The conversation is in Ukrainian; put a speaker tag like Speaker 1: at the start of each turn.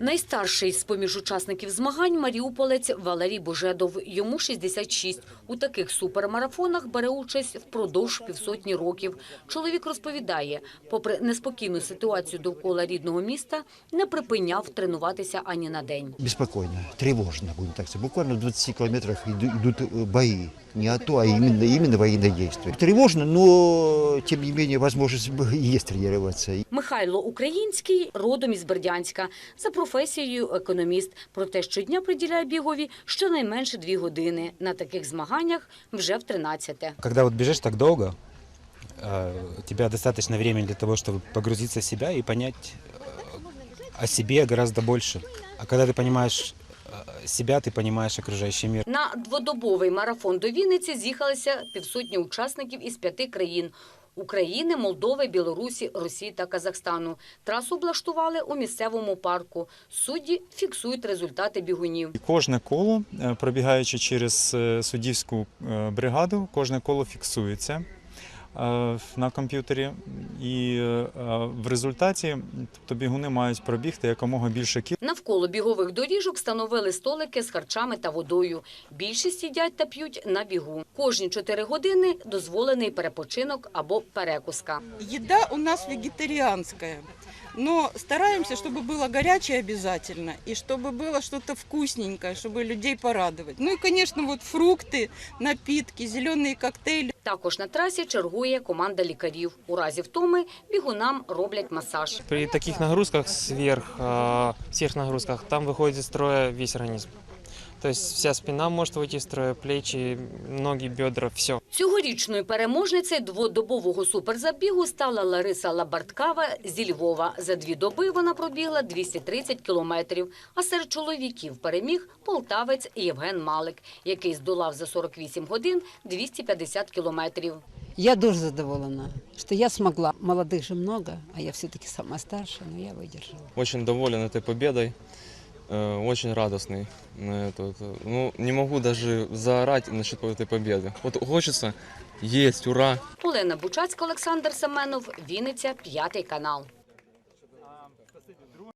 Speaker 1: Найстарший з-поміж учасників змагань – маріуполець Валерій Божедов. Йому 66. У таких супермарафонах бере участь впродовж півсотні років. Чоловік розповідає, попри неспокійну ситуацію довкола рідного міста, не припиняв тренуватися ані на день.
Speaker 2: Беспокойно, тревожно, будем так сказать. Буквально в 20 километрах идут бои. Не АТО, а именно военные действия. Тревожно, но, тем не менее, возможность есть тренироваться.
Speaker 1: Михайло Український родом із Бердянська. За професією економіст. Проте щодня приділяє бігові щонайменше 2 години. На таких змаганнях вже в 13-те.
Speaker 3: Когда вот бежишь так долго, у тебя достаточно времени для того, чтобы погрузиться в себя и понять о себе гораздо больше. А когда ты понимаешь себя, ты понимаешь окружающий мир.
Speaker 1: На дводобовий марафон до Вінниці з'їхалися півсотні учасників із 5 країн – України, Молдови, Білорусі, Росії та Казахстану. Трасу облаштували у місцевому парку. Судді фіксують результати бігунів.
Speaker 4: Кожне коло, пробігаючи через суддівську бригаду, кожне коло фіксується на комп'ютері. І в результаті бігуни мають пробігти якомога більше кіл.
Speaker 1: Навколо бігових доріжок встановили столики з харчами та водою. Більшість їдять та п'ють на бігу. Кожні 4 години дозволений перепочинок або перекуска.
Speaker 5: Еда у нас вегетарианская, но стараемся, чтобы было горячее обязательно, и чтобы было что-то вкусненькое, чтобы людей порадовать. Ну и, конечно, вот фрукты, напитки, зеленые коктейли.
Speaker 1: Також на трасі чергує команда лікарів. У разі втоми бігунам роблять масаж.
Speaker 6: При таких нагрузках, сверхнагрузках, там выходит из строя весь организм. То есть вся спина может выйти из строя, плечи, ноги, бедра, все.
Speaker 1: Цьогорічною переможницею дводобового суперзабігу стала Лариса Лабарткава зі Львова. За 2 доби вона пробігла 230 кілометрів. А серед чоловіків переміг полтавець Євген Малик, який здолав за 48 годин 250 кілометрів.
Speaker 7: Я дуже задоволена, что я смогла. Молодых же много, а я все-таки самая старшая, но я выдержала.
Speaker 8: Очень доволен этой победой, очень радостный. Ну, не могу даже заорать насчет этой победы. Вот хочется, есть, ура!
Speaker 1: Олена Бучацька, Олександр Семенов, Вінниця, 5 канал.